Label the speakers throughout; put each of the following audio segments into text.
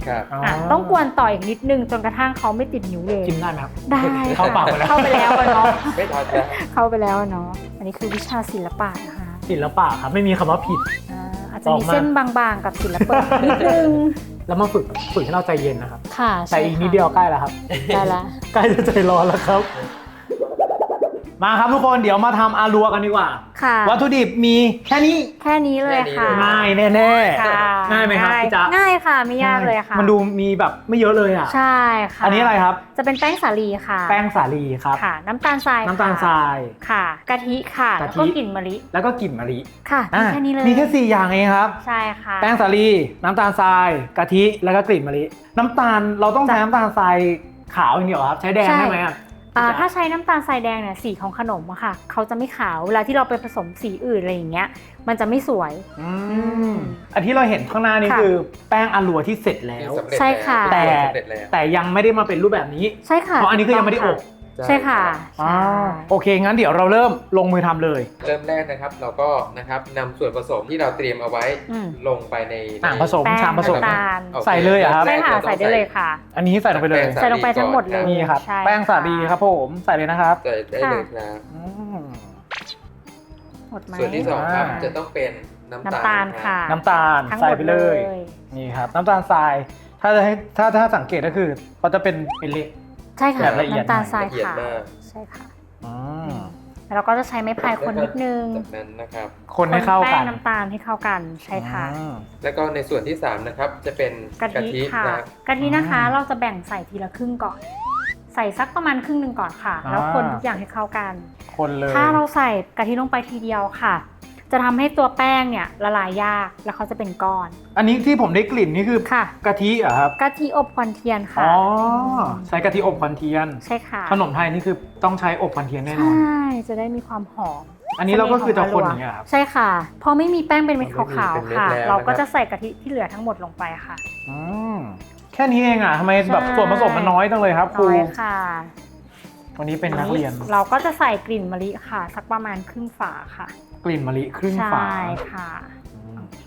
Speaker 1: ครับ
Speaker 2: ต้องกวนต่ออีกนิดนึงจนกระทั่งเขาไม่ติดนิ้วเลย
Speaker 3: กินได้ไหมครับ
Speaker 2: ได้
Speaker 3: เข้าปากไปแล้ว
Speaker 2: เข้าไปแล้วอะเนาะ
Speaker 1: ไม่ทันแล้ว
Speaker 2: เข้าไปแล้วอะเนาะอันนี้คือวิชาศิลปะนะคะ
Speaker 3: ศิลปะครับไม่มีคำว่าผิด
Speaker 2: อาจจะมีเส้นบางๆกับศิลปะนิดนึง
Speaker 3: แล้วมาฝึกให้เราใจเย็นนะครับ
Speaker 2: ค่ะ
Speaker 3: แต่อีกนิดเดียวใกล้แล้วครับ
Speaker 2: ได้ละ
Speaker 3: ใกล้จะใจร้อนแล้วครับ มาครับทุกคนเดี๋ยวมาทำอารัวกันดีกว่า
Speaker 2: ค่ะ
Speaker 3: วัตถุดิบมีแค่นี้
Speaker 2: แค่นี้เลยค่ะ
Speaker 3: ง่ายแน่
Speaker 2: ค่ะ
Speaker 3: ๆง่ายไหมครับพี่จ๊ะ
Speaker 2: ง่ายค่ะไม่ยากเลยค่ะ
Speaker 3: มันดูมีแบบไม่เยอะเลยอ่ะ
Speaker 2: ใช่ค่ะ
Speaker 3: อันนี้อะไรครับ
Speaker 2: จะเป็นแป้งสาลีค่ะ
Speaker 3: แป้งสาลีครับ
Speaker 2: ค่ะ น้ำตาลทราย
Speaker 3: น้ำตาลทราย
Speaker 2: ค่ะกะทิค่ะ
Speaker 3: กะ
Speaker 2: แล้ว
Speaker 3: ทิ
Speaker 2: ก็กลิ่นมะลิ
Speaker 3: แล้วก็กลิ่นมะลิ
Speaker 2: ค่ะมี
Speaker 3: อ่ะ
Speaker 2: แค่นี้เลย
Speaker 3: มีแค่4อย่างเองครับ
Speaker 2: ใช่ค่ะ
Speaker 3: แป้งสาลีน้ำตาลทรายกะทิแล้วก็กลิ่นมะลิน้ำตาลเราต้องใช้น้ำตาลทรายขาวอย่างเดียวครับใช้แดงได้ไหมอ่ะ
Speaker 2: ถ้าใช้น้ำตาลทรายแดงเนี่ยสีของขนมอะค่ะเขาจะไม่ขาวเวลาที่เราไปผสมสีอื่นอะไรอย่างเงี้ยมันจะไม่สวย
Speaker 3: อันที่เราเห็นข้างหน้านี่
Speaker 2: ค่ะ
Speaker 3: คือแป้งอารัวที่เสร็จแล้ว
Speaker 1: ที่สำเร็จ
Speaker 2: ใช่ค่ะ
Speaker 1: แล้ว
Speaker 3: แต่
Speaker 1: สำเร็จแล้ว
Speaker 3: แต่ยังไม่ได้มาเป็นรูปแบบนี้
Speaker 2: ใช่ค่ะ
Speaker 3: เพราะอันนี้คือยังไม่ได้อบ
Speaker 2: ใช่ค่ะ
Speaker 3: อ๋อโอเคงั้นเดี๋ยวเราเริ่มลงมือทำเลย
Speaker 1: เริ่มแรกนะครับเราก็นะครับนำส่วนผสมที่เราเตรียมเอาไว้
Speaker 2: อืม
Speaker 1: ลงไปใน
Speaker 3: อ่างผสม
Speaker 2: แป้ง
Speaker 3: ชามผสม
Speaker 2: น้ำตาล
Speaker 1: โอค
Speaker 3: ใส่เลยเหรอครับ
Speaker 2: ใช่ค่ะ
Speaker 1: ริ่มแรก
Speaker 2: ใส่ได้เลยค่ะ
Speaker 3: อันนี้ใส่ลงไปเลย
Speaker 1: แป้ง
Speaker 2: ใส่ลงไปทั้งหมดเลย
Speaker 3: นี่ครับ
Speaker 2: ใช่
Speaker 3: แป้งสาลีครับผมใส่เลยนะครับ
Speaker 1: ใส่ได้เลยครับ
Speaker 3: อืม
Speaker 2: หมดไหม
Speaker 1: ส่วนที่สองครับ
Speaker 3: อ่า
Speaker 1: จะต้องเป็นน้ำ
Speaker 2: น้ำตาล
Speaker 1: รับ
Speaker 2: ค่ะ
Speaker 3: น้ำตาล
Speaker 2: ทั้งห
Speaker 3: ใส่
Speaker 2: มด
Speaker 3: ไปเลย นี่ครับน้ำตาลทรายถ้าจะให้ถ้าสังเกตก็คือเขาจะเป็นเล็ก
Speaker 2: ใช่ค่ะ
Speaker 3: แบบละเอียด
Speaker 2: น้ำตาลทราย
Speaker 1: ละเอียด
Speaker 2: ขาว
Speaker 1: มาก
Speaker 2: ใช่ค่ะ
Speaker 3: อืม
Speaker 2: แล้วเราก็จะใช้ไม้พายคนนิดนึง
Speaker 1: จากนั้นนะครับ
Speaker 3: คนให้เข้า
Speaker 2: แป้
Speaker 3: กั
Speaker 2: ง
Speaker 3: น
Speaker 2: น้ำตาลให้เข้ากันใช่ค่ะ
Speaker 3: อืม
Speaker 1: แล้วก็ในส่วนที่3นะครับจะเป็น
Speaker 2: กะทิค่ะ
Speaker 1: นะ
Speaker 2: กะทินะคะ
Speaker 3: อืม
Speaker 2: เราจะแบ่งใส่ทีละครึ่งก่อน ใส่สักประมาณครึ่งหนึ่งก่อนค่ะ แล้วคนทุกอย่างให้เข้ากัน
Speaker 3: คนเลย
Speaker 2: ถ้าเราใส่กะทิลงไปทีเดียวค่ะ จะทำให้ตัวแป้งเนี่ยละลายยากแล้วเขาจะเป็นก้อน
Speaker 3: อันนี้ที่ผมได้กลิ่นนี่คือ
Speaker 2: ค่ะ
Speaker 3: กะทิเหรอครับ
Speaker 2: กะทิอบควันเทียนค่ะ
Speaker 3: อ๋อใช้กะทิอบควันเทียน
Speaker 2: ใช่ค่ะ
Speaker 3: ขนมไทยนี่คือต้องใช้อบควันเทียนแน่น
Speaker 2: ใช่
Speaker 3: อน
Speaker 2: จะได้มีความหอม
Speaker 3: อันนี้เราก็คือจะคนอย่างเงี้ยครับ
Speaker 2: ใช่ค่ะ พอไม่มีแป้งเป็นเม็ดขาวๆค่ะ
Speaker 1: เป็นเม็ดแล้ว
Speaker 2: เราก็จะใส่กะทิที่เหลือทั้งหมดลงไปค่ะ
Speaker 3: อืมแค่นี้เองอ่ะทำไมแบบ
Speaker 2: ใช่
Speaker 3: ส่วนผสมมันน้อยจังเลยครับครู
Speaker 2: น้อยค่ะ
Speaker 3: วันนี้เป็นนักเรียน
Speaker 2: เราก็จะใส่กลิ่นมะลิค่ะ สักประมาณครึ่งฝาค่ะ
Speaker 3: กลิ่นมะลิครึ่งฝา
Speaker 2: ใช่ค่ะ
Speaker 3: อืม
Speaker 2: โอเค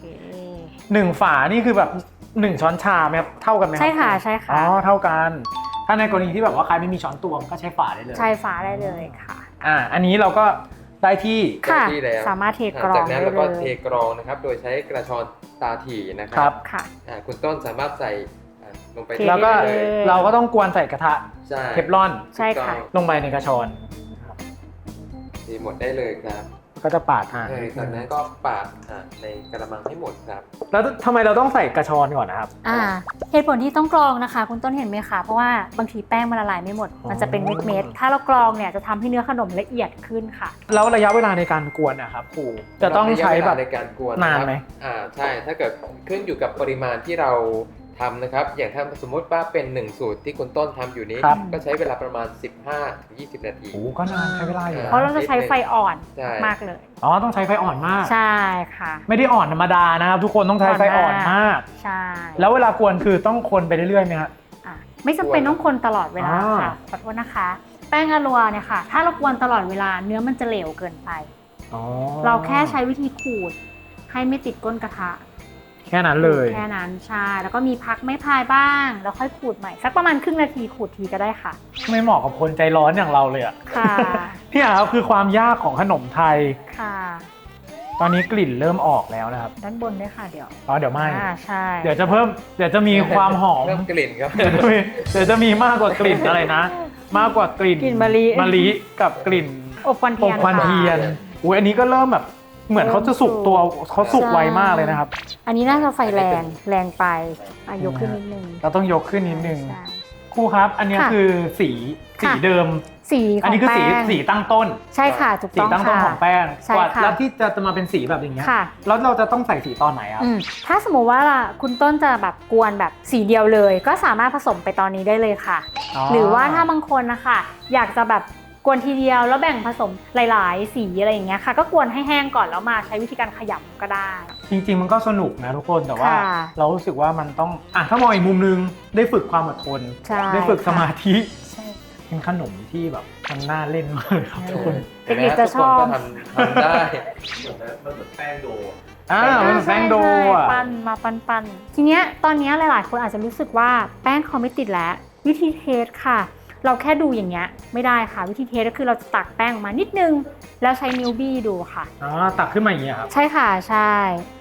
Speaker 3: 1 ฝานี่คือแบบ1 ช้อนชาไหมครับเท่ากันไหมรับ
Speaker 2: ใช่ค่ะใช่ค่ะ
Speaker 3: อ๋อเท่ากัน ถ้าในกรณีที่แบบว่าใครไม่มีช้อนตวงก็ใช้ฝาได้เลย
Speaker 2: ใช่ฝาได้เลยค่ะ
Speaker 3: อันนี้เราก็ได้ที่
Speaker 2: ค่ะ
Speaker 1: ได้ที่แล้ว
Speaker 2: สามารถเทกรอง
Speaker 1: จากนั้นเราก็
Speaker 2: ได้
Speaker 1: เท
Speaker 2: เลย
Speaker 1: กรองนะครับ โดยใช้กระชอนตาถี่นะค
Speaker 3: ครั
Speaker 1: รับ
Speaker 2: ค่ะ
Speaker 1: คุณต้นสามารถใส่ลงไป
Speaker 2: เท
Speaker 3: แล้วก็
Speaker 1: ได้เลย
Speaker 3: เราก็ต้องกวนใส่กระทะ
Speaker 1: ใช่
Speaker 3: เทฟลอน
Speaker 2: ใช่ค่ะ
Speaker 3: ลงไปในกระชอน
Speaker 1: ทีหมดได้เลยครับ
Speaker 3: ก็จะปาด
Speaker 1: จากนั้นก็ปาดในกระมังให้หมดครับ
Speaker 3: แล้วทำไมเราต้องใส่กระชอนก่อนนะครับ
Speaker 2: เหตุผลที่ต้องกรองนะคะ คุณต้นเห็นไหมคะเพราะว่าบางทีแป้งมันละลายไม่หมด มันจะเป็นเม็ดๆถ้าเรากรองเนี่ยจะทำให้เนื้อขนมละเอียดขึ้นค่ะ
Speaker 3: แล้วระยะเวลาในการกวนนะครับครูจะต้องใช้แบบ
Speaker 1: ระยะเวลาในการกวน
Speaker 3: นานไหม
Speaker 1: ใช่ถ้าเกิดขึ้นอยู่กับปริมาณที่เราทำนะครับ อย่างถ้าสมมติว่าเป็น1สูตรที่คุณต้นทำอยู่นี้
Speaker 3: ครับ
Speaker 1: ก็ใช้เวลาประมาณ 15-20 นาที
Speaker 3: โอ้ก็นานใช้เวลาอยู่
Speaker 2: เพราะเราจะใช้ไฟอ่อน
Speaker 1: ใช่
Speaker 2: มากเลย
Speaker 3: อ๋อต้องใช้ไฟอ่อนมาก
Speaker 2: ใช่ค่ะ
Speaker 3: ไม่ได้อ่อนธรรมดานะครับทุกคนต้องใช้ไฟอ่อนมาก
Speaker 2: ใช่
Speaker 3: แล้วเวลากวนคือต้องคนไปเรื่อยๆไหมฮะ
Speaker 2: ไม่จำเป็นต้องคนตลอดเวลา
Speaker 3: อ่า
Speaker 2: ค่ะขอโทษนะคะ แป้งอะลัวเนี่ยค่ะ ถ้าเรากวนตลอดเวลาเนื้อมันจะเหลวเกินไป
Speaker 3: อ๋อ
Speaker 2: เราแค่ใช้วิธีขูดให้ไม่ติดก้นกระทะ
Speaker 3: แค่นั้นเลย
Speaker 2: แค่นั้นใช่แล้วก็มีพักไม้พายบ้าง แล้วค่อยขูดใหม่สักประมาณครึ่งนาทีขูดทีก็ได้ค่ะ
Speaker 3: ไม่เหมาะกับคนใจร้อนอย่างเราเลยอะ
Speaker 2: ค่ะ
Speaker 3: พี่อาครับคือความยากของขนมไทย
Speaker 2: ค่ะ
Speaker 3: ตอนนี้กลิ่นเริ่มออกแล้วนะครับ
Speaker 2: ด้านบนด้วยค่ะเดี๋ยว
Speaker 3: อ๋อเดี๋ยวไม่
Speaker 2: ใช่
Speaker 3: เดี๋ยวจะมีความหอม
Speaker 1: เริ่มกลิ่นครับ
Speaker 3: เดี๋ยวจะมีมากกว่ากลิ่นอะไรนะ มากกว่ากลิ่น
Speaker 2: กลิ่นมะลิ
Speaker 3: กับกลิ่น
Speaker 2: อบควัน
Speaker 3: อ
Speaker 2: เทีย
Speaker 3: บ
Speaker 2: น
Speaker 3: ควัน
Speaker 2: ค่ะ
Speaker 3: เทียนอุ้ยอันนี้ก็เริ่มแบบเหมือนเขาจะสุกตัวเขาสุกไวมากเลยนะครับ
Speaker 2: อันนี้น่าจะไฟแรงไปยกขึ้นนิดนึง
Speaker 3: เราต้องยกขึ้นนิดนึง
Speaker 2: ใช่
Speaker 3: ครูครับ อันนี้
Speaker 2: ค่ะ
Speaker 3: คือสี
Speaker 2: ค่ะ
Speaker 3: เดิม
Speaker 2: สีข
Speaker 3: อัน
Speaker 2: อง
Speaker 3: นี้คือ
Speaker 2: แป้ง
Speaker 3: สีตั้งต้น
Speaker 2: ใช่ค่ะถูก
Speaker 3: สี
Speaker 2: ต้อง
Speaker 3: ตั้งต้น
Speaker 2: ค่ะ
Speaker 3: ของแป้ง
Speaker 2: ใช่
Speaker 3: กว่า
Speaker 2: ค่ะ
Speaker 3: แล้วที่จะมาเป็นสีแบบอย่างเงี้ย
Speaker 2: ค่ะ
Speaker 3: แล้วเราจะต้องใส่สีตอนไหนครับ
Speaker 2: ถ้าสมมุติว่าคุณต้นจะแบบกวนแบบสีเดียวเลย ก็สามารถผสมไปตอนนี้ได้เลยค่ะ หรือว่าถ้าบางคนนะคะอยากจะแบบกวนทีเดียวแล้วแบ่งผสมหลายๆ สีอะไรอย่างเงี้ยค่ะ ก็กวนให้แห้งก่อนแล้วมาใช้วิธีการขยำก็ได้
Speaker 3: จริงๆมันก็สนุกนะทุกคนแต่ว่า
Speaker 2: ค่ะ
Speaker 3: เรารู้สึกว่ามันต้องถ้ามองอีกมุมนึงได้ฝึกความอดทน
Speaker 2: ใช่
Speaker 3: ได้ฝึกสมาธิ
Speaker 2: ใช่
Speaker 3: เป็นขนมที่แบบมันน่าเล่นมากเลยครับทุกคน
Speaker 2: เด็กๆจะชอบ
Speaker 1: ทุกคนก็ทำได้
Speaker 4: มันเหมือนแป้งโด
Speaker 3: มันแป้งโด
Speaker 2: ใช่
Speaker 3: อ่ะ
Speaker 2: ปั้นมาปั้นทีเนี้ยตอนเนี้ยหลายๆคนอาจจะรู้สึกว่าแป้งเขาไม่ติดแล้ววิธีเทสค่ะ เราแค่ดูอย่างเงี้ยไม่ได้ค่ะวิธีเทสก็คือเราจะตักแป้งออกมานิดนึงแล้วใช้นิ้วบี้ดูค่ะ
Speaker 3: ตักขึ้นมาอย่างเงี้ยครับ
Speaker 2: ใช่ค่ะใช่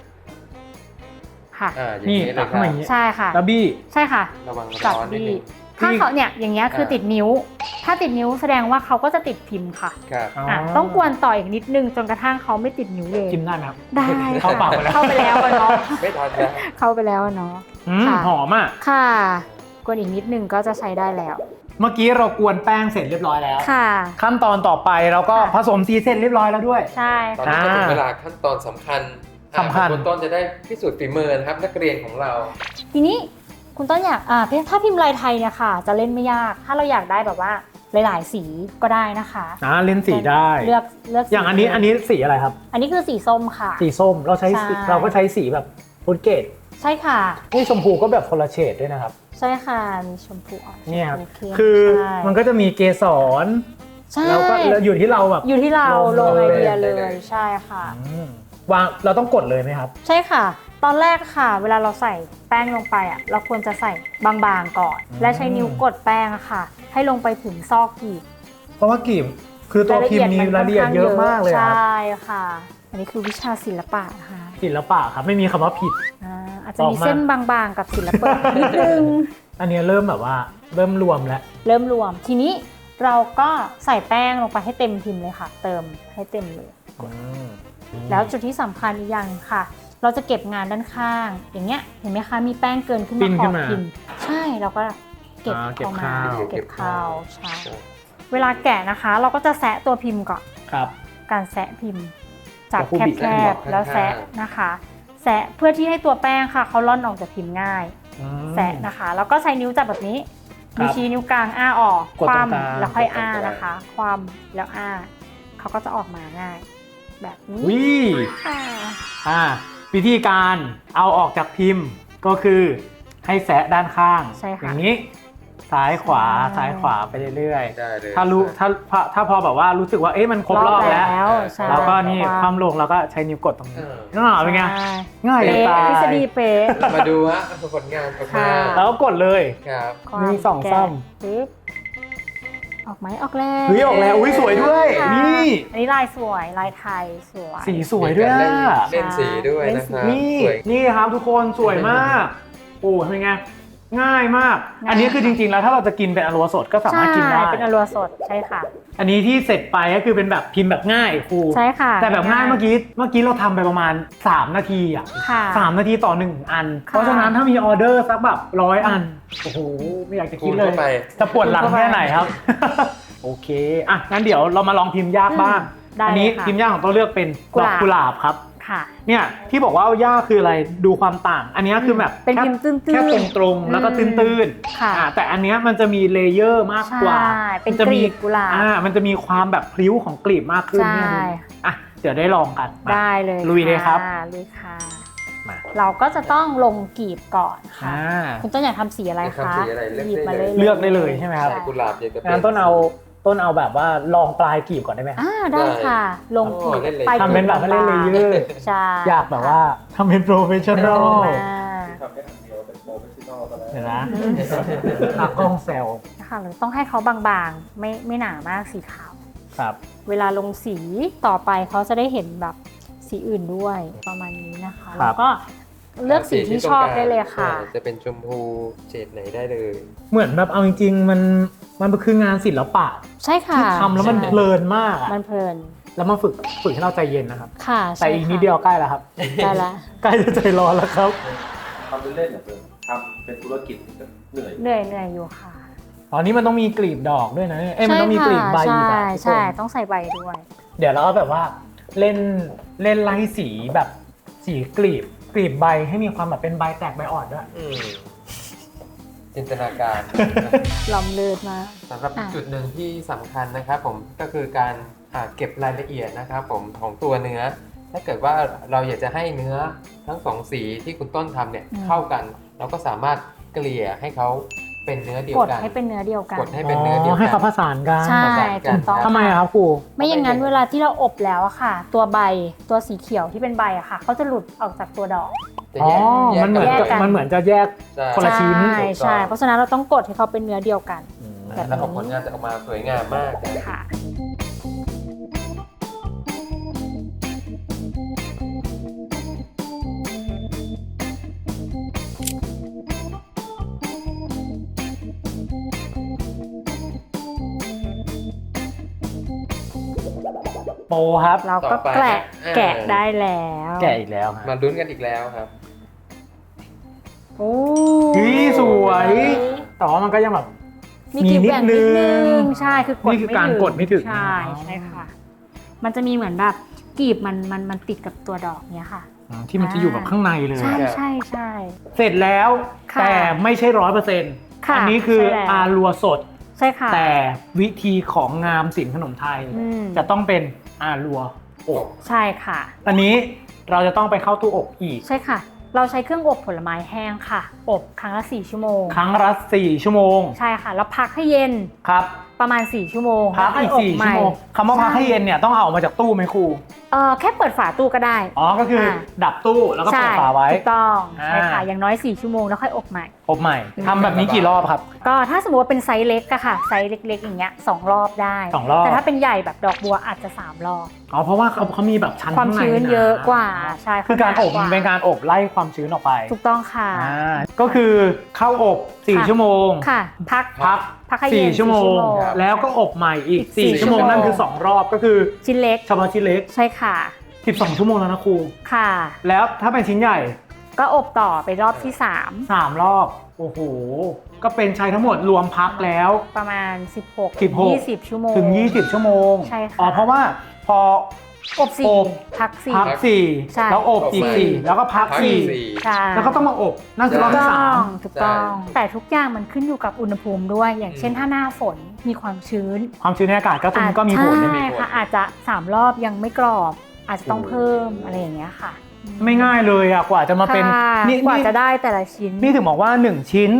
Speaker 2: ค่ะ
Speaker 1: อย่าง
Speaker 3: นี่
Speaker 1: นี้เล
Speaker 3: ตั
Speaker 1: ย
Speaker 3: ก
Speaker 1: ค
Speaker 3: ขึ้น
Speaker 1: รับ
Speaker 3: มาอย่างเงี้ย
Speaker 2: ใช่ค่ะ
Speaker 3: แล้วบี้
Speaker 2: ใช่ค่ะ
Speaker 1: ระวัง
Speaker 2: จับ
Speaker 1: ร้อนนิด
Speaker 2: บี้
Speaker 1: นึง
Speaker 2: ถ้าเขาเนี่ยอย่างเงี้ยคือติดนิ้ว ถ้าติดนิ้วแสดงว่าเขาก็จะติดพิมพ์ค่ะ
Speaker 1: ครับ
Speaker 2: ต้องกวนต่ออีกนิดนึงจนกระทั่งเขาไม่ติดนิ้วเลย
Speaker 3: กินได้ไหมครับ
Speaker 2: ได้
Speaker 3: เข้าปากไปแล้ว
Speaker 2: เข้าไปแล้วอะเนาะ
Speaker 1: ไม่ทันแล้ว
Speaker 2: เข้าไปแล้วอะเนาะ ค่ะ
Speaker 3: หอมอ่ะ
Speaker 2: ค่ะกวนอีกนิดนึงก็จะใช้ได้แล้ว
Speaker 3: เมื่อกี้เรากวนแป้งเสร็จเรียบร้อยแล้ว
Speaker 2: ค่ะ
Speaker 3: ขั้นตอนต่อไปเราก็
Speaker 2: ค่ะ
Speaker 3: ผสมสีเสร็จเรียบร้อยแล้วด้วย
Speaker 2: ใช่
Speaker 1: ตอน
Speaker 2: ค่ะ
Speaker 1: นี้ก็ถึงเวลาขั้นตอนสำคัญ
Speaker 3: สำคัญ
Speaker 1: คุณต้นจะได้พิสูจน์ฝีมือนะครับนักเรียนของเรา
Speaker 2: ทีนี้คุณต้นอยากถ้าพิมพ์ลายไทยเนี่ยค่ะ จะเล่นไม่ยาก ถ้าเราอยากได้แบบว่าหลายๆสีก็ได้นะคะ
Speaker 3: เล่นสีได้
Speaker 2: เลือกสี
Speaker 3: อย่างอันนี้สีอะไรครับ
Speaker 2: อันนี้คือสีส้มค่ะ
Speaker 3: สีส้มเราใช้
Speaker 2: ใช่
Speaker 3: เราก็ใช้สีแบบฟุตเกต
Speaker 2: ใช่ค่ะ
Speaker 3: นี่ชมพูก็แบบคนละเฉดด้วยนะครับ
Speaker 2: ใช่ค่ะมีชมพูอ่อน
Speaker 3: เนี่ยครับ
Speaker 2: ชมพูเข้ม
Speaker 3: คือ
Speaker 2: ใช่
Speaker 3: มันก็จะมีเกสร
Speaker 2: ใช่
Speaker 3: แล้วก็อยู่ที่เราแบบ
Speaker 2: อยู่ที่เราล
Speaker 3: ล
Speaker 2: ง
Speaker 3: ง
Speaker 2: ไอ
Speaker 3: เลย
Speaker 2: เดียเล
Speaker 1: ได้เลย ย
Speaker 2: ใช่ค่ะ
Speaker 3: วางเราต้องกดเลยไหมครับ
Speaker 2: ใช่ค่ะ ตอนแรกค่ะ เวลาเราใส่แป้งลงไปเราควรจะใส่บางๆก่อน และใช้นิ้วกดแป้งค่ะ ให้ลงไปถึงซอกกีบ
Speaker 3: เพราะว่ากีบคือตัวพิมพ์มีรายละเอียดเยอะมากเลย
Speaker 2: ใช
Speaker 3: ครับ
Speaker 2: ่ค่ะ อันนี้คือวิชาศิลปะนะคะ
Speaker 3: ศิลปะครับไม่มีคำว่าผิด
Speaker 2: อาจจะมีเส้นบางๆกับศิลปะนิดนึง
Speaker 3: อันนี้เริ่มแบบว่าเริ่มรวมแล้ว
Speaker 2: เริ่มรวมทีนี้เราก็ใส่แป้งลงไปให้เต็มพิมพ์เลยค่ะ เติมให้เต็มเลย แล้วจุดที่สำคัญอีกอย่างหนึ่งค่ะ เราจะเก็บงานด้านข้าง อย่างเงี้ยเห็นไหมคะมีแป้งเกินขึ้น
Speaker 3: ปิ้
Speaker 2: มาน ข
Speaker 3: ขึ้
Speaker 2: อบ
Speaker 3: นมา
Speaker 2: พิมพ์ใช่เราก็เก็บ
Speaker 3: เก็บ
Speaker 2: เข้ามา
Speaker 3: ข้าว
Speaker 2: เก็บข้าวใช่เวลาแกะนะคะ เราก็จะแซะตัวพิมพ์ก่อน
Speaker 3: ครับ
Speaker 2: การแซะพิมพ์จาก
Speaker 3: แล้วผู้บิด
Speaker 2: แคบๆแล้วแซะนะคะแซะเพื่อที่ให้ตัวแป้งค่ะเขาล่อนออกจากพิมพ์ง่าย แซะนะคะ แล้วก็ใช้นิ้วจับแบบนี้
Speaker 3: ครับ
Speaker 2: นิ้วชี้นิ้วกลางอ้าออก
Speaker 3: กด
Speaker 2: ค
Speaker 3: ตรงกลาง
Speaker 2: ว่ำแล้วค่อยอ้านะคะคว่ำแล้วอ้าเขาก็จะออกมาง่าย แบบนี้
Speaker 3: วิ
Speaker 2: ค่ะ
Speaker 3: วิธีการเอาออกจากพิมพ์ก็คือให้แซะด้านข้าง
Speaker 2: ใช่ค่ะ
Speaker 3: อย่างนี้ซ้ายขวา
Speaker 2: ใช่
Speaker 3: ซ้ายขวาไปเรื่อย
Speaker 1: ได้เลย
Speaker 3: ๆถ้ารู้ถ้าพอแบบว่ารู้สึกว่ามันครบรอบแล้ว
Speaker 2: ใช่
Speaker 3: แล้วก็นี่
Speaker 2: ค
Speaker 3: ความ มลงแล้วก็ใช้นิ้วกดตรงนี้เป็นไง
Speaker 2: ใช่
Speaker 3: ง่ายจะ
Speaker 2: เป๊ะ
Speaker 3: ตาย
Speaker 2: ทฤษฎีเป๊ะ
Speaker 1: มาดูฮะผลงาน
Speaker 2: ค่ะ
Speaker 3: แล้วก็กดเลย
Speaker 1: ครับ
Speaker 2: ความ
Speaker 3: หนึ่งสอง
Speaker 2: แกะ
Speaker 3: สาม
Speaker 2: ปึ๊บออกไหมออกแล้ว
Speaker 3: เฮ้ยออกแล้วอุ๊ยสวยด้วย
Speaker 2: ค่ะ
Speaker 3: นี่
Speaker 2: อันนี้ลายสวยลายไทยสวย
Speaker 3: สีสวยด้วย
Speaker 1: มี
Speaker 3: อะ
Speaker 1: การเล่นสีด้วยนะครับ
Speaker 3: นี่
Speaker 1: สวย
Speaker 3: นี่ครับทุกคนสวยมากโอ้เป็นไงง่ายมาก
Speaker 2: ง่าย
Speaker 3: อันนี้คือจริงๆแล้วถ้าเราจะกินเป็นอรัวสดก็สามารถกินได้
Speaker 2: ใช่เป็นอรัวสดใช่ค่ะ
Speaker 3: อันนี้ที่เสร็จไปก็คือเป็นแบบพิมพ์แบบง่ายครู
Speaker 2: ใช่ค่ะ
Speaker 3: แต่แบบง่ายเมื่อกี้เราทำไปประมาณ3 นาทีอ่ะ
Speaker 2: ค่ะ
Speaker 3: 3 นาทีต่อ1อัน
Speaker 2: ค่ะ
Speaker 3: เพราะฉะนั้นถ้ามีออเดอร์สักแบบ100 อันโอ้โหไม่อยากจะ
Speaker 1: คู
Speaker 3: คิด
Speaker 1: ณ
Speaker 3: เลย
Speaker 1: เข้าไป
Speaker 3: จะปวดหลังแค่ไหนครับ โอเคอ่ะงั้นเดี๋ยวเรามาลองพิมพ์ยากบ้าง
Speaker 2: ได้
Speaker 3: อันี้
Speaker 2: เลยค่ะ
Speaker 3: พิมพ์ยากของตัวเลือกเป็นดอกกุหลาบครับ
Speaker 2: ค่ะ
Speaker 3: เนี่ยที่บอกว่ายากคืออะไรดูความต่าง อันนี้คือแบบ
Speaker 2: เป็น
Speaker 3: แค่
Speaker 2: พิมพ์ตื้นๆ
Speaker 3: แค่ตรงๆแล้วก็ตื้นๆ
Speaker 2: ค่ะ
Speaker 3: แต่อันเนี้ยมันจะมีเลเยอร์มากกว่า
Speaker 2: ใช่เป็น
Speaker 3: จะ
Speaker 2: กลีบกุหลาบ
Speaker 3: มันจะมีความแบบพลิ้วของกลีบมากขึ้น
Speaker 2: ใช่
Speaker 3: เนี่ยดูอ่ะเดี๋ยวได้ลองกันมา
Speaker 2: ได้เลย
Speaker 3: ลุยเลยครับ
Speaker 2: ลุยค่ะ
Speaker 3: มา
Speaker 2: เราก็จะต้องลงกลีบก่อนค่ะ
Speaker 3: อ่า
Speaker 2: คุณต้นอยากทำสีอะไร
Speaker 1: อยาก
Speaker 2: คะ
Speaker 1: ทำสีอะไรเลือก
Speaker 2: หยิบมา
Speaker 1: ได้เลย
Speaker 3: เลือกได้เลยใช่ไหมครับ
Speaker 1: ใส่กุหลาบอยากจะเป็น
Speaker 3: งั้นต้นเอาแบบว่าลองปลายกลีบก่อนได้ไหมครับ
Speaker 2: ได้ค่ะ ลงกลีบ
Speaker 1: เล่นเลย
Speaker 2: ไป
Speaker 3: ทำเป็นแบบไม่เล่นเลเยอร์
Speaker 2: ใช่
Speaker 3: อยากแบบว่าทำเป็นโปรเฟชชั่นอล
Speaker 2: มา
Speaker 4: ทำแค่อันเดียวเป็นโปรเฟชชั่นอลตอนแรก
Speaker 3: เห็นไหมตากล้องแซว
Speaker 2: ค่ะเราต้องให้เขาบางๆ ไม่หนามากสีขาว
Speaker 3: ครับ
Speaker 2: เวลาลงสีต่อไปเขาจะได้เห็นแบบสีอื่นด้วยประมาณนี้นะคะ แล้วก็เลือกสีที่ชอบได้เลยค่ะ
Speaker 1: จะเป็นชมพูเฉดไหนได้เลย
Speaker 3: เหมือนแบบเอาจริงๆมันคืองานศิลปะ
Speaker 2: ใช่ค่ะ
Speaker 3: ที่ทำแล้วมัน
Speaker 2: ใช่
Speaker 3: เพลินมากอะ
Speaker 2: มันเพลิน
Speaker 3: แล้วมาฝึกให้เราใจเย็นนะครับ
Speaker 2: ค่ะ
Speaker 3: แต่อีกนิดเดียวใกล้แล้วครับ
Speaker 2: ได้ละ
Speaker 3: ใกล้จะใจร้อนแล้วครับ
Speaker 4: ทำเล่นๆเนี่ยเพิ่มทำเป็นธุรกิจก็เหนื่อย
Speaker 2: เหนื่อยอยู่ค่ะ
Speaker 3: ตอนนี้มันต้องมีกลีบดอกด้วยนะมันต้องมีกลีบใบอีก
Speaker 2: ใช่
Speaker 3: อะทุกคน
Speaker 2: ใช่ต้องใส่ใบด้วย
Speaker 3: เดี๋ยวเราก็แบบว่าเล่นไล่สีแบบสีกลีบใบให้มีความแบบเป็นใบแตกใบอ่อนด้วย
Speaker 1: จินตนาการ
Speaker 2: ล้ำเลิศมาก
Speaker 1: สำหรับ
Speaker 2: อ่ะ
Speaker 1: จุดหนึ่งที่สำคัญนะครับผมก็คือการเก็บรายละเอียดนะครับผมของตัวเนื้อ ถ้าเกิดว่าเราอยากจะให้เนื้อทั้งสองสีที่คุณต้นทำเนี่ยเข้ากัน เราก็สามารถเกลี่ยให้เขาเป็นเนื้อเดียว
Speaker 2: กด
Speaker 1: กัน
Speaker 2: ให้เป็นเนื้อเดียวกัน
Speaker 1: กดให้เป็นเนื้อเดียวกัน
Speaker 3: ให้เขาผสานกัน
Speaker 2: ใช่
Speaker 1: ผสานกัน
Speaker 2: ถูกต้อง
Speaker 3: ทำไมอะครับครู
Speaker 2: ไม่อย่างนั้นเวลาที่เราอบแล้วอะค่ะ ตัวใบตัวสีเขียวที่เป็นใบอะค่ะเขาจะหลุดออกจากตัวดอก
Speaker 1: จะ
Speaker 3: อ๋อ
Speaker 1: แยก
Speaker 3: มันเหมือน
Speaker 2: แยกกัน
Speaker 3: มันเหมือนจะแยก
Speaker 1: ใช่
Speaker 3: คนละชิ้น
Speaker 2: ใช่ใช่เพราะฉะนั้นเราต้องกดให้เขาเป็นเนื้อเดียวกัน แบบนี้
Speaker 1: แล้วผลงานจะออกมาสวยงามมากนะ
Speaker 2: ค่ะ
Speaker 3: โปครับ
Speaker 2: เราก็
Speaker 1: ต่อไป
Speaker 2: แกะได้แล้ว
Speaker 3: แกะอีกแล้วฮะ
Speaker 1: มาลุ้นกันอีกแล้วครับ
Speaker 2: โอ้
Speaker 3: นี่สวย แต่ว่ามันก็ยังแบบ
Speaker 2: มีกลีบแหว่งนิดนึ
Speaker 3: มีนิดนึ
Speaker 2: ง
Speaker 3: ง
Speaker 2: ใช่คือกด
Speaker 3: นี่คือการกดไม่ถึง
Speaker 2: ใช่ใช่ค่ะ มันจะมีเหมือนแบบกลีบมันติดกับตัวดอกเนี้ยค่ะ
Speaker 3: ที่มันจะอยู่แบบข้างในเลย
Speaker 2: ใช่
Speaker 1: ครับ
Speaker 2: ใช่ใช่
Speaker 3: เสร็จแล้ว
Speaker 2: ค่ะ
Speaker 3: แต่ไม่ใช่100%
Speaker 2: ค่ะ
Speaker 3: อันี้คือ
Speaker 2: ใช่แล้ว
Speaker 3: อารัวสด
Speaker 2: ใช่ค่ะ
Speaker 3: แต่วิธีของงามศิลป์ขนมไทย
Speaker 2: อืม
Speaker 3: จะต้องเป็นอารัวอบ
Speaker 2: ใช่ค่ะ
Speaker 3: อันนี้เราจะต้องไปเข้าตู้อบอีก
Speaker 2: ใช่ค่ะ เราใช้เครื่องอบผลไม้แห้งค่ะ อบครั้งละ4 ชั่วโมง
Speaker 3: ครั้งละ4 ชั่วโมง
Speaker 2: ใช่ค่ะ แล้วพักให้เย็น
Speaker 3: ครับ
Speaker 2: ประมาณ4 ชั่วโมง
Speaker 3: พักอีก
Speaker 2: แล้วค่ยบ
Speaker 3: 4 ชั่วโมงคำว่าพักให้เย็นเนี่ยต้องเอาออกมาจากตู้ไหมครู
Speaker 2: แค่เปิดฝาตู้ก็ได้
Speaker 3: อ๋อก็คือดับตู้แล้วก็เปิดฝาไว้
Speaker 2: ถูกต้อง
Speaker 3: อ่า
Speaker 2: ใช่ค่ะอย่างน้อย4 ชั่วโมงแล้วค่อยอบใหม่
Speaker 3: อบใหม่ทำแบบนี้กี่รอบครับ
Speaker 2: ก็ถ้าสมมติว่าเป็นไซส์เล็กอะค่ะไซส์เล็กๆอย่างเงี้ย2 รอบได้
Speaker 3: 2 รอบ
Speaker 2: แต่ถ้าเป็นใหญ่แบบดอกบัวอาจจะ3 รอบ
Speaker 3: อ๋อเพราะว่าเขามีแบบชั้น
Speaker 2: ความ
Speaker 3: ข้างใน
Speaker 2: ชื้นเยอะกว่าใช่
Speaker 3: คือการอบ
Speaker 2: ห
Speaker 3: มันเป็นการอบไล่ความชื้นออกไป
Speaker 2: ถูกต้องค่ะ
Speaker 3: ก็คือเข้าอบ
Speaker 2: ค่ะ
Speaker 3: 4 ชั่วโมง
Speaker 2: ค่ะ พัก
Speaker 3: พัก
Speaker 2: ให้เย็น
Speaker 3: 4 ชั่วโมง
Speaker 2: 4
Speaker 1: ครับ
Speaker 3: แล้วก็อบใหม่อีก
Speaker 2: อีก
Speaker 3: 4 ชั่วโมง
Speaker 2: 4
Speaker 3: นั่นคือ 2 รอบก็คือ
Speaker 2: ชิ้นเล็ก
Speaker 3: เฉพาะชิ้นเล็ก
Speaker 2: ใช่ค่ะ
Speaker 3: 12 ชั่วโมงแล้วนะครู
Speaker 2: ค่ะ
Speaker 3: แล้วถ้าเป็นชิ้นใหญ่
Speaker 2: ก็อบต่อไปรอบที่
Speaker 3: 3 รอบ โอ้โห ก็เป็นใช้ทั้งหมดรวมพักแล้ว
Speaker 2: 3 ประมาณ 16
Speaker 3: 16
Speaker 2: 20 ชั่วโมง
Speaker 3: ถึง 20 ชั่วโมง
Speaker 2: ใช่ค่ะ
Speaker 3: อ๋อเพราะว่าพอ
Speaker 2: อบ
Speaker 3: อบ
Speaker 2: 4พัก
Speaker 3: พัก
Speaker 2: 4
Speaker 3: 4
Speaker 2: ใช่
Speaker 3: แล้วอบอีก
Speaker 1: อบใหม่
Speaker 3: 4 แล้วก็พัก
Speaker 1: พักอีก
Speaker 3: 4
Speaker 2: ใช่
Speaker 3: แล้วก็ต้องมาอบนั่นคือรอบ
Speaker 2: ถูก
Speaker 3: ที่
Speaker 2: ต้
Speaker 3: สา
Speaker 2: อง
Speaker 3: ม
Speaker 2: ถูกต้อง
Speaker 1: ใช่
Speaker 2: แต่ทุกอย่างมันขึ้นอยู่กับอุณหภูมิด้วย อย่างเช่นถ้าหน้าฝนมีความชื้น
Speaker 3: ความชื้นในอากาศก็มีผล
Speaker 2: ใช่ค่ะอาจจะ3 รอบยังไม่กรอบ อาจจะต้องเพิ่มอะไรอย่างเงี้ยค่ะ
Speaker 3: ไม่ง่ายเลยอ่ะกว่าจะมาเป็น
Speaker 2: ค่ะ
Speaker 3: นี่
Speaker 2: กว่าจะได้แต่ละชิ้น
Speaker 3: นี่ถึงบอกว่า 1 ชิ้น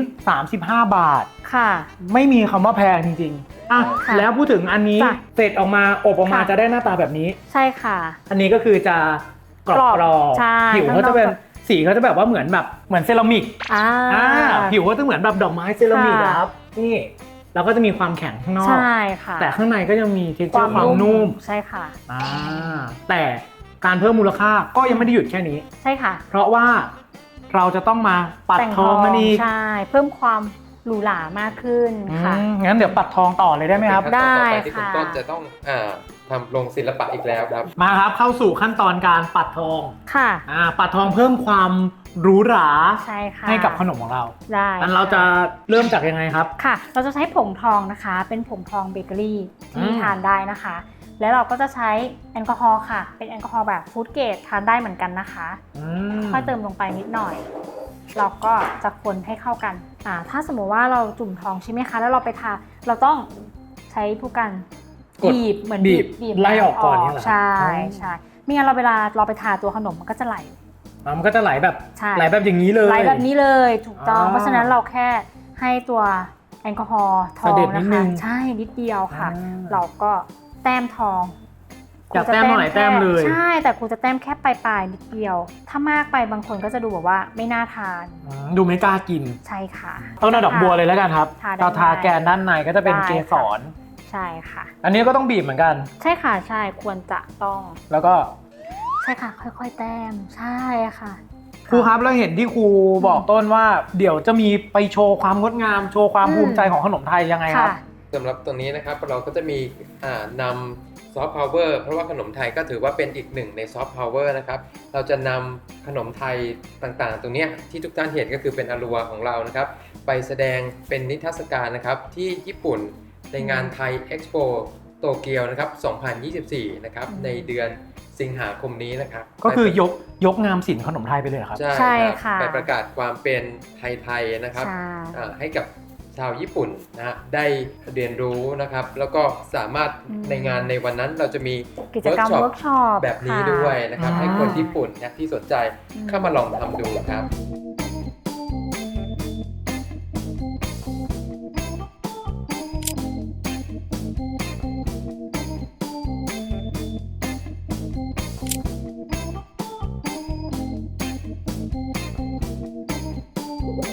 Speaker 3: 35 บาท
Speaker 2: ค่ะ
Speaker 3: ไม่มีคำว่าแพงจริงๆอ่ะ
Speaker 2: ค่ะ
Speaker 3: แล้วพูดถึงอันนี้
Speaker 2: จ้ะ
Speaker 3: เสร็จออกมาอบออกมา
Speaker 2: ค่ะ
Speaker 3: จะได้หน้าตาแบบนี้
Speaker 2: ใช่ค่ะ
Speaker 3: อันนี้ก็คือจะกร
Speaker 2: กร
Speaker 3: อ
Speaker 2: อ
Speaker 3: บบ
Speaker 2: ใช่
Speaker 3: ผิวเขาจะเป็น
Speaker 2: ข้างนอก
Speaker 3: สีเขาจะแบบว่าเหมือนเซรามิก
Speaker 2: อ่า
Speaker 3: ผิวเขาจะเหมือนแบบดอกไม้เซรามิกอะ
Speaker 2: ค่ะ
Speaker 3: ครับนี่แล้วก็จะมีความแข็งข้างนอก
Speaker 2: ใช่ค่ะ
Speaker 3: แต่ข้างในก็ยังมีเท็กเจอร์ความนุ่ม
Speaker 2: ใช่ค่ะ
Speaker 3: อ่าแต่การเพิ่มมูลค่าก็ยังไม่ได้หยุดแค่นี้
Speaker 2: ใช่ค่ะ
Speaker 3: เพราะว่าเราจะต้องมาปัด
Speaker 2: แต่ง
Speaker 3: ทองมันอีก
Speaker 2: ใช่เพิ่มความหรูหรามากขึ้นค่ะ
Speaker 3: งั้นเดี๋ยวปัดทองต่อเลยได้ไหมครับ
Speaker 2: ได้
Speaker 1: ต่อไปที่คุณ
Speaker 2: ค่ะ
Speaker 1: ต้นจะต้องทำลงศิลปะอีกแล้วครับ
Speaker 3: มาครับเข้าสู่ขั้นตอนการปัดทอง
Speaker 2: ค่ะ
Speaker 3: ปัดทองเพิ่มความหรูหรา
Speaker 2: ใช่ค่ะ
Speaker 3: ให้กับขนมของเรา
Speaker 2: ได้
Speaker 3: งั้นเราจะเริ่มจากยังไงครับ
Speaker 2: ค่ะ เราจะใช้ผงทองนะคะ เป็นผงทองเบเกอรี่ที่
Speaker 3: อืม
Speaker 2: ทานได้นะคะ แล้วเราก็จะใช้แอลกอฮอล์ค่ะ เป็นแอลกอฮอล์แบบฟู้ดเกรดทานได้เหมือนกันนะคะ ค่อยเติมลงไปนิดหน่อย เราก็จะคนให้เข้ากันถ้าสมมติว่าเราจุ่มทองใช่ไหมคะ แล้วเราไปทา เราต้องใช้ผู้กัน
Speaker 3: กด
Speaker 2: บีบเหมือน
Speaker 3: บีบ
Speaker 2: บีบ
Speaker 3: ไล่ออกก่อนนี่เหรอ
Speaker 2: ใช่
Speaker 3: อ๋อ
Speaker 2: ใช่ไม่งั้นเราเวลาเราไปทาตัวขนมมันก็จะไหล
Speaker 3: มันก็จะไหลแบบ
Speaker 2: ใช่
Speaker 3: ไหลแบบอย่างนี้เลย
Speaker 2: ไหลแบบนี้เลยถูกต้อง
Speaker 3: อ่า
Speaker 2: เพราะฉะนั้นเราแค่ให้ตัวแอลกอฮอล์ทอง
Speaker 3: เสด็จนิ
Speaker 2: นะ
Speaker 3: ดนึ
Speaker 2: คะ
Speaker 3: ง
Speaker 2: ใช่นิดเดียวค่ะ
Speaker 3: อ่า
Speaker 2: เราก็แต้มทอง
Speaker 3: อยากแต้มเท่าไหร่แต้มเลย
Speaker 2: ใช่แต่ครูจะแต้มแค่ปลายๆนิดเดียว ถ้ามากไปบางคนก็จะดูแบบว่าไม่น่าทาน
Speaker 3: ดูไม่กล้ากิน
Speaker 2: ใช่ค่ะ
Speaker 3: ต้องเอาดอกบัวเลยแล้วกันครับ
Speaker 2: ทาได้
Speaker 3: เราทาแกนด้านในก็จะเป็น
Speaker 2: ได้
Speaker 3: เก
Speaker 2: ค่ะ
Speaker 3: สร
Speaker 2: ใช่ค่ะ
Speaker 3: อันนี้ก็ต้องบีบเหมือนกัน
Speaker 2: ใช่ค่ะใช่ควรจะต้อง
Speaker 3: แล้วก็
Speaker 2: ใช่ค่ะ ค่อยๆแต้มใช่ค่ะ
Speaker 3: ครูครับแล้วเห็นที่ครูบอกต้นว่าเดี๋ยวจะมีไปโชว์ความงดงามโชว์ความภูมิใจของขนมไทยยังไงค
Speaker 2: ค่ะ
Speaker 3: รับ
Speaker 1: สำหรับตรงนี้นะครับเราก็จะมีนำซอฟต์พาวเวอร์เพราะว่าขนมไทยก็ถือว่าเป็นอีกหนึ่งในซอฟต์พาวเวอร์นะครับเราจะนำขนมไทยต่างๆ ตรงเนี้ยที่ทุกท่านเห็นก็คือเป็นอารัวของเรานะครับไปแสดงเป็นนิทรรศการนะครับที่ญี่ปุ่นในงานไทยเอ็กซ์โปโตเกียวนะครับ2024นะครับในเดือนสิงหาคมนี้นะครับ
Speaker 3: ก็คือยกงามศิลป์ขนมไทยไปเลยเหรอครับ
Speaker 2: ใช่
Speaker 1: รับ
Speaker 2: ค่ะ
Speaker 1: ไปประกาศความเป็นไทยๆนะครับ
Speaker 2: ใช่
Speaker 1: ให้กับชาวญี่ปุ่นนะฮะได้เรียนรู้นะครับแล้วก็สามารถในงานในวันนั้นเราจะมี
Speaker 2: กิจกรรมเวิร์กช็อป
Speaker 1: แบบนี้ด้วยนะครับ
Speaker 3: ค่ะ
Speaker 1: ให้คนญี่ปุ่นนะที่สนใจเข้ามาลองทำดูครับ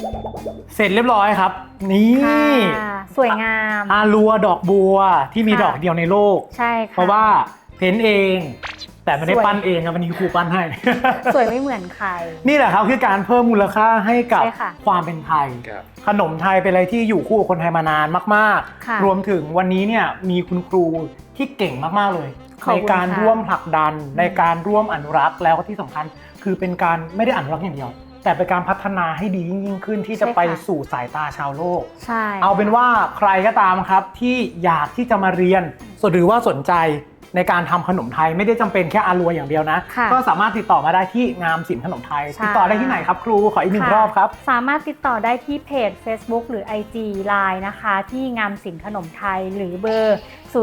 Speaker 3: เสร็จเรียบร้อยครับ นี่
Speaker 2: ค่ะสวยงาม
Speaker 3: อารัวดอกบัวที่มี
Speaker 2: ค่ะ
Speaker 3: ดอกเดียวในโลก
Speaker 2: ใช่ค่ะ
Speaker 3: เพราะว่าเพ้นท์เอง แต่ไม่ได้
Speaker 2: สวย
Speaker 3: ปั้นเองครับวันนี้ครูปั้นให้
Speaker 2: สวยไม่เหมือนใคร
Speaker 3: นี่แหละครับคือการเพิ่มมูลค่าให้กับ
Speaker 2: ใช่ค่ะ
Speaker 3: ความเป็นไทย
Speaker 1: ครับ
Speaker 3: ขนมไทยเป็นอะไรที่อยู่คู่กับคนไทยมานานมาก
Speaker 2: ค่ะ
Speaker 3: ๆ รวมถึงวันนี้เนี่ยมีคุณครูที่เก่งมากๆเลย
Speaker 2: ขอบ
Speaker 3: ใน
Speaker 2: คุณ
Speaker 3: การ
Speaker 2: ค่ะ
Speaker 3: ร่วมผลักดันในการร่วมอนุรักษ์แล้วก็ที่สำคัญคือเป็นการไม่ได้อนุรักษ์อย่างเดียว แต่เป็นการพัฒนาให้ดียิ่งขึ้นที่จะไปสู่สายตาชาวโลก
Speaker 2: ใช่
Speaker 3: เอาเป็นว่าใครก็ตามครับที่อยากที่จะมาเรียนหรือว่าสนใจในการทำขนมไทยไม่ได้จำเป็นแค่อารัวอย่างเดียวนะ
Speaker 2: ค่ะ
Speaker 3: ก็สามารถติดต่อมาได้ที่งามศิลป์ขนมไทย
Speaker 2: ใช่
Speaker 3: ติดต่อได้ที่ไหนครับครูขออีกหนึ่งรอบครับ
Speaker 2: สามารถติดต่อได้ที่เพจ Facebook หรือ IG Line นะคะ ที่งามศิลป์ขนมไทยหรือเบอร์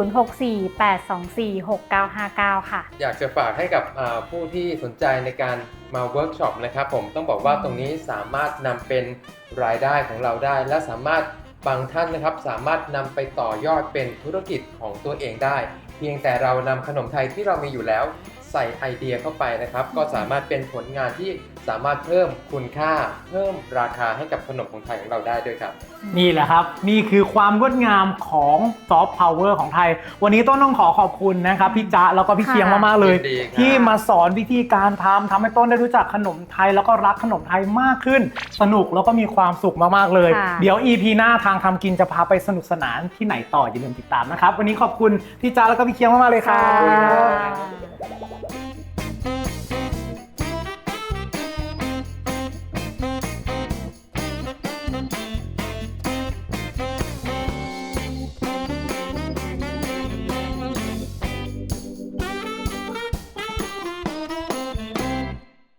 Speaker 2: 0648246959 ค่ะ
Speaker 1: อยากจะฝากให้กับผู้ที่สนใจในการมาเวิร์กช็อปนะครับผมต้องบอกว่าตรงนี้สามารถนำเป็นรายได้ของเราได้ และสามารถบางท่านนะครับสามารถนำไปต่อยอดเป็นธุรกิจของตัวเองได้ เพียงแต่เรานำขนมไทยที่เรามีอยู่แล้วใส่ไอเดียเข้าไปนะครับก็สามารถเป็นผลงานที่สามารถเพิ่มคุณค่าเพิ่มราคาให้กับขนมของไทยของเราได้ด้วยครับ
Speaker 3: นี่แหละครับนี่คือความงดงามของซอฟต์พาวเวอร์ของไทย วันนี้ต้นต้องขอบคุณนะครับพี่จ๊ะแล้วก็พี่
Speaker 2: ค่ะ
Speaker 3: เคียงมากๆเลย
Speaker 1: ยินดีครับ
Speaker 3: ที่มาสอนวิธีการทำให้ต้นได้รู้จักขนมไทยแล้วก็รักขนมไทยมากขึ้น สนุกแล้วก็มีความสุขมากๆเลย
Speaker 2: ค่ะ
Speaker 3: เดี๋ยว EP หน้าทางทำกินจะพาไปสนุกสนานที่ไหนต่ออย่าลืมติดตามนะครับวันนี้ขอบคุณพี่จ๊ะแล้วก็พี่เคียงมากๆเลยครับ
Speaker 2: ค่ะ